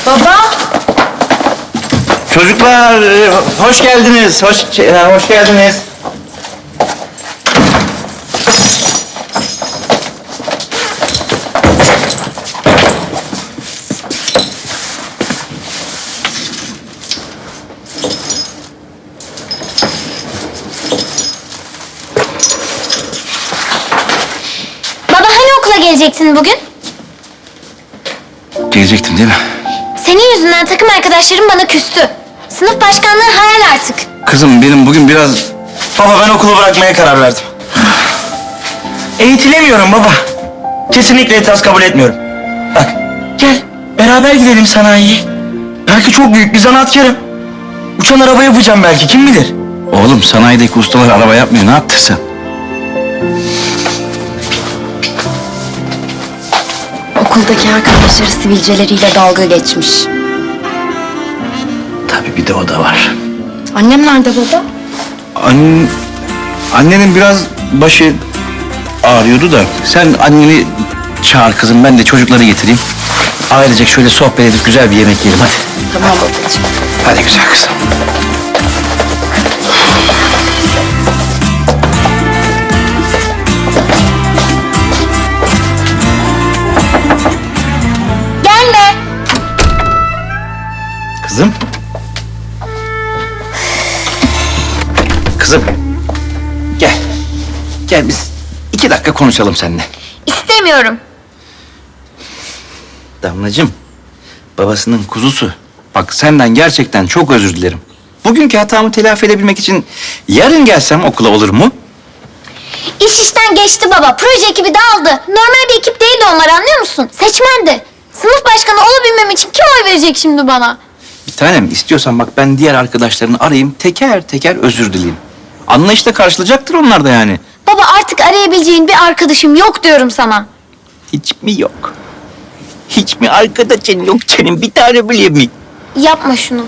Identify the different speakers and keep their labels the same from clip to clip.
Speaker 1: Baba.
Speaker 2: Çocuklar, hoş geldiniz. Hoş geldiniz.
Speaker 1: Baba hani okula gelecektin bugün?
Speaker 2: Gelecektim değil mi?
Speaker 1: Senin yüzünden takım arkadaşlarım bana küstü. Sınıf başkanlığı hayal artık.
Speaker 2: Kızım benim bugün biraz...
Speaker 3: Baba ben okulu bırakmaya karar verdim. Eğitilemiyorum baba. Kesinlikle itiraz kabul etmiyorum. Bak gel beraber gidelim sanayiye. Belki çok büyük bir zanaatkarım. Uçan araba yapacağım belki kim bilir.
Speaker 2: Oğlum sanayideki ustalar araba yapmıyor. Ne yaptın sen?
Speaker 4: Okuldaki arkadaşları sivilceleriyle dalga geçmiş.
Speaker 2: Tabii bir de o da var.
Speaker 4: Annem nerede baba?
Speaker 2: Annenin biraz başı ağrıyordu da sen anneni çağır kızım, ben de çocukları getireyim. Ailecek şöyle sohbet edip güzel bir yemek yiyelim hadi.
Speaker 4: Tamam babacığım.
Speaker 2: Hadi güzel kızım.
Speaker 1: Gelme.
Speaker 2: Kızım. Kızım. Gel. Gel biz 2 dakika konuşalım seninle.
Speaker 1: İstemiyorum.
Speaker 2: Damlacığım, babasının kuzusu. Bak senden gerçekten çok özür dilerim. Bugünkü hatamı telafi edebilmek için yarın gelsem okula olur mu?
Speaker 1: İş işten geçti baba. Proje ekibi dağıldı. Normal bir ekip değildi onlar, anlıyor musun? Seçmendi. Sınıf başkanı olabilmem için kim oy verecek şimdi bana?
Speaker 2: Bir tanem istiyorsan bak ben diğer arkadaşlarını arayayım, teker teker özür dileyim. Anlayışla karşılayacaktır onlar da yani.
Speaker 1: Baba artık arayabileceğin bir arkadaşım yok diyorum sana.
Speaker 2: Hiç mi yok? Hiç mi arkadaşın yok senin bir tane bile mi?
Speaker 1: Yapma şunu.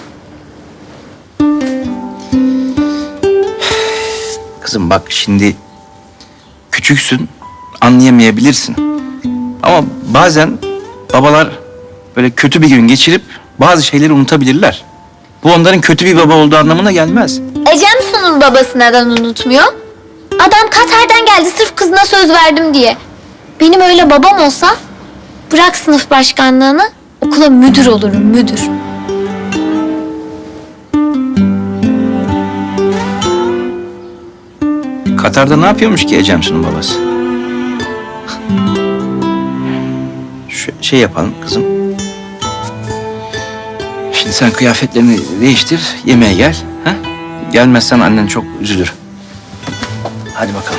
Speaker 2: Kızım bak şimdi küçüksün, anlayamayabilirsin. Ama bazen babalar böyle kötü bir gün geçirip bazı şeyleri unutabilirler. Bu onların kötü bir baba olduğu anlamına gelmez.
Speaker 1: Ecem Su'nun babası neden unutmuyor? Adam Katar'dan geldi sırf kızına söz verdim diye. Benim öyle babam olsa bırak sınıf başkanlığını, okula müdür olurum, müdür.
Speaker 2: Katar'da ne yapıyormuş ki Ecemsu'nun babası? Şey yapalım kızım. Şimdi sen kıyafetlerini değiştir, yemeğe gel. Ha? Gelmezsen annen çok üzülür. Hadi bakalım.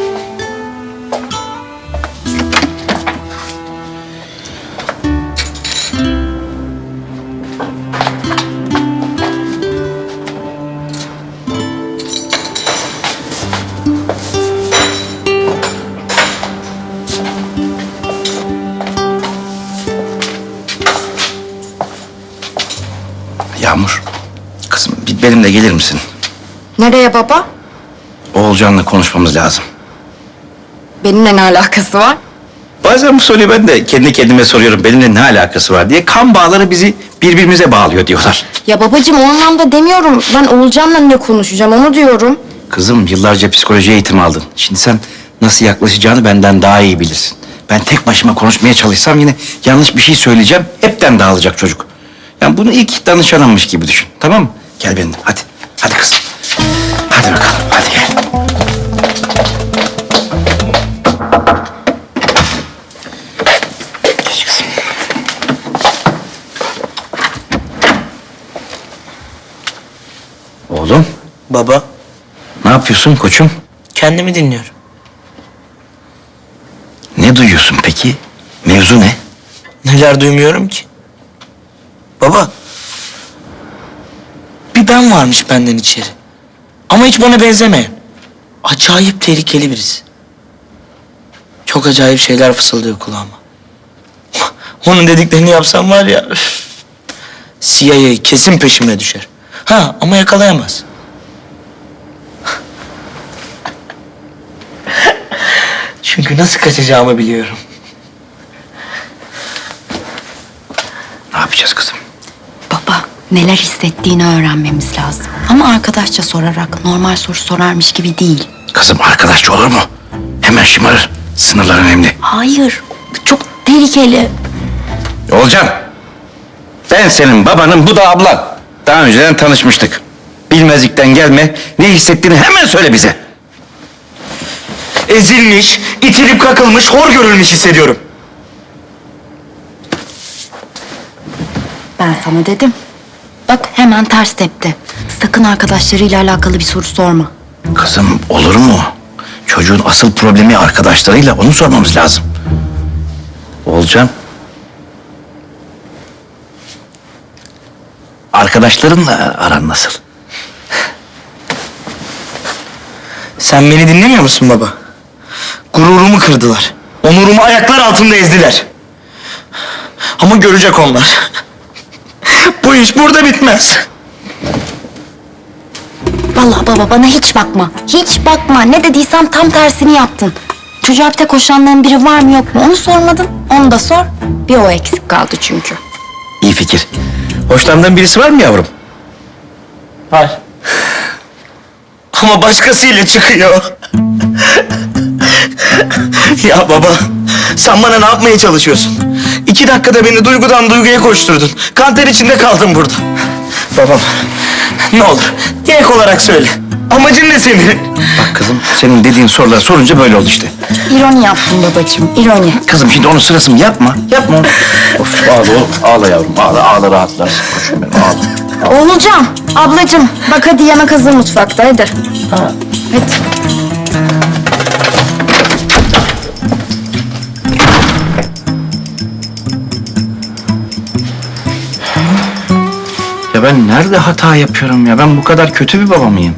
Speaker 2: Yağmur, kızım bir benimle gelir misin?
Speaker 4: Nereye baba?
Speaker 2: Oğulcan'la konuşmamız lazım.
Speaker 4: Benimle ne alakası var?
Speaker 2: Bazen bu soruyu ben de kendi kendime soruyorum. Benimle ne alakası var diye. Kan bağları bizi birbirimize bağlıyor diyorlar.
Speaker 4: Ya babacığım o anlamda demiyorum. Ben Oğulcan'la ne konuşacağım onu diyorum.
Speaker 2: Kızım yıllarca psikoloji eğitimi aldın. Şimdi sen nasıl yaklaşacağını benden daha iyi bilirsin. Ben tek başıma konuşmaya çalışsam yine yanlış bir şey söyleyeceğim. Hepten dağılacak çocuk. Yani bunu ilk danışanımmış gibi düşün. Tamam mı? Gel benimle hadi. Hadi kızım. Hadi bakalım. Hadi gel. Geç kızım. Oğlum
Speaker 3: Baba
Speaker 2: ne yapıyorsun koçum?
Speaker 3: kendimi dinliyorum.
Speaker 2: Ne duyuyorsun peki? Mevzu ne?
Speaker 3: Neler duymuyorum ki? Baba. Bir ben varmış benden içeri. Ama hiç bana benzemeyen. Acayip tehlikeli birisi. Çok acayip şeyler fısıldıyor kulağıma. Onun dediklerini yapsam var ya... üf, CIA kesin peşime düşer. Ha ama yakalayamaz. Çünkü nasıl kaçacağımı biliyorum.
Speaker 2: Ne yapacağız kızım?
Speaker 4: Neler hissettiğini öğrenmemiz lazım. Ama arkadaşça sorarak, normal soru sorarmış gibi değil.
Speaker 2: Kızım arkadaşça olur mu? Hemen şımarır. Sınırlar önemli.
Speaker 4: Hayır, bu çok tehlikeli.
Speaker 2: Olcan, ben senin babanın, bu da ablan. Daha önceden tanışmıştık. Bilmezlikten gelme, ne hissettiğini hemen söyle bize.
Speaker 3: Ezilmiş, itilip kakılmış, hor görülmüş hissediyorum.
Speaker 4: Ben sana dedim. Bak hemen ters tepti. Sakın arkadaşlarıyla alakalı bir soru sorma.
Speaker 2: Kızım olur mu? Çocuğun asıl problemi arkadaşlarıyla, onu sormamız lazım. Olcan. Arkadaşlarınla aran nasıl?
Speaker 3: Sen beni dinlemiyor musun baba? Gururumu kırdılar. Onurumu ayaklar altında ezdiler. Ama görecek onlar. Bu iş burada bitmez.
Speaker 4: Vallahi baba bana hiç bakma. Hiç bakma. Ne dediysem tam tersini yaptın. Çocuğa bir tek hoşlandığın biri var mı yok mu onu sormadın. Onu da sor. Bir o eksik kaldı çünkü.
Speaker 2: İyi fikir. Hoşlandığın birisi var mı yavrum?
Speaker 3: Var. Ama başkasıyla çıkıyor. Ya baba, sen bana ne yapmaya çalışıyorsun? 2 dakikada beni duygudan duyguya koşturdun. Kanter içinde kaldım burada. Babam, ne olur direkt olarak söyle. Amacın ne senin?
Speaker 2: Bak kızım, senin dediğin soruları sorunca böyle oldu işte.
Speaker 4: İroni yaptın babacığım. İroni.
Speaker 2: Kızım şimdi onun sırası mı? Yapma, yapma onu. Of, ağla oğlum, ağla yavrum, ağla, ağla rahatlarsın. Koşun benim, ağla.
Speaker 4: Oğulcan, ablacığım bak hadi yemek hazır mutfakta hadi.
Speaker 2: Ha.
Speaker 4: Hadi.
Speaker 2: Ya ben nerede hata yapıyorum ya? Ben bu kadar kötü bir baba mıyım?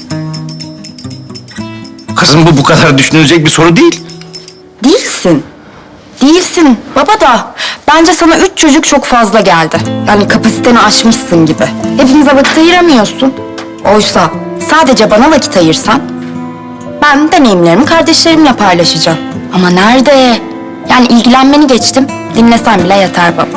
Speaker 2: Kızım bu kadar düşünülecek bir soru değil.
Speaker 4: Değilsin. Değilsin baba da. Bence sana 3 çocuk çok fazla geldi. Yani kapasiteni aşmışsın gibi. Hepinize vakit ayıramıyorsun. Oysa sadece bana vakit ayırsan... ...ben deneyimlerimi kardeşlerimle paylaşacağım. Ama nerede? Yani ilgilenmeni geçtim. Dinlesen bile yeter baba.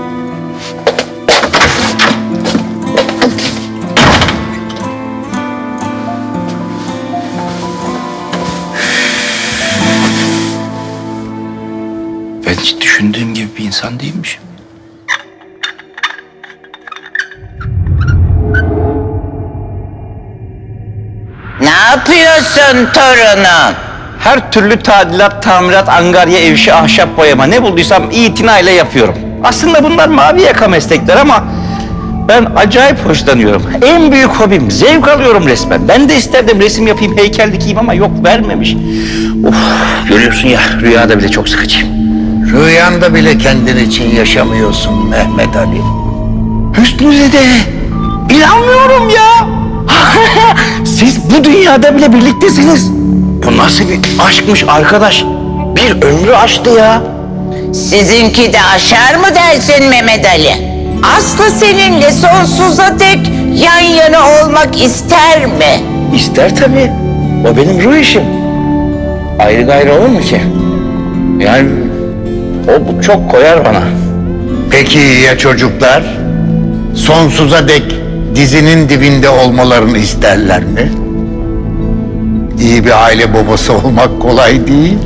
Speaker 2: Ben hiç düşündüğüm gibi bir insan değilmişim.
Speaker 5: Ne yapıyorsun torunum?
Speaker 2: Her türlü tadilat, tamirat, angarya, ev işi, ahşap boyama ne bulduysam itinayla yapıyorum. Aslında bunlar mavi yaka meslekler ama ben acayip hoşlanıyorum. En büyük hobim, zevk alıyorum resmen. Ben de isterdim resim yapayım, heykel dikeyim ama yok vermemiş. Of, görüyorsun ya rüyada bile çok sıkıcıyım.
Speaker 6: Rüyanda bile kendin için yaşamıyorsun Mehmet Ali.
Speaker 2: Hüsnü Dede, inanmıyorum ya. Siz bu dünyada bile birliktesiniz. Bu nasıl bir aşkmış arkadaş? Bir ömrü aştı ya.
Speaker 5: Sizinki de aşar mı dersin Mehmet Ali? Aslı seninle sonsuza dek yan yana olmak ister mi?
Speaker 2: İster tabii. O benim ruh işim. Ayrı gayrı olur mu ki? Yani o çok koyar bana.
Speaker 6: Peki ya çocuklar? Sonsuza dek dizinin dibinde olmalarını isterler mi? İyi bir aile babası olmak kolay değil.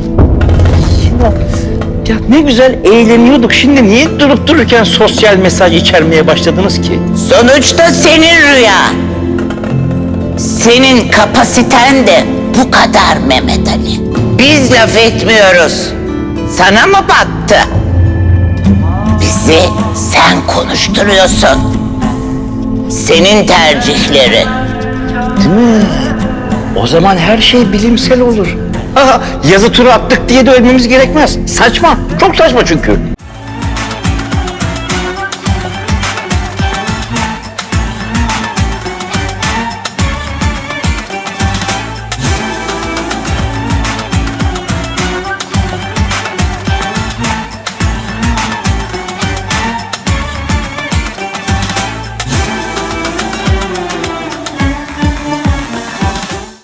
Speaker 2: Ya ne güzel eğleniyorduk. Şimdi niye durup dururken sosyal mesaj içermeye başladınız ki?
Speaker 5: Sonuçta senin rüya. Senin kapasiten de bu kadar Mehmet Ali. Biz laf etmiyoruz. Sana mı battı? Bizi sen konuşturuyorsun. Senin tercihlerin.
Speaker 2: Değil mi? O zaman her şey bilimsel olur. Aha, yazı turu attık diye de ölmemiz gerekmez. Saçma. Çok saçma çünkü.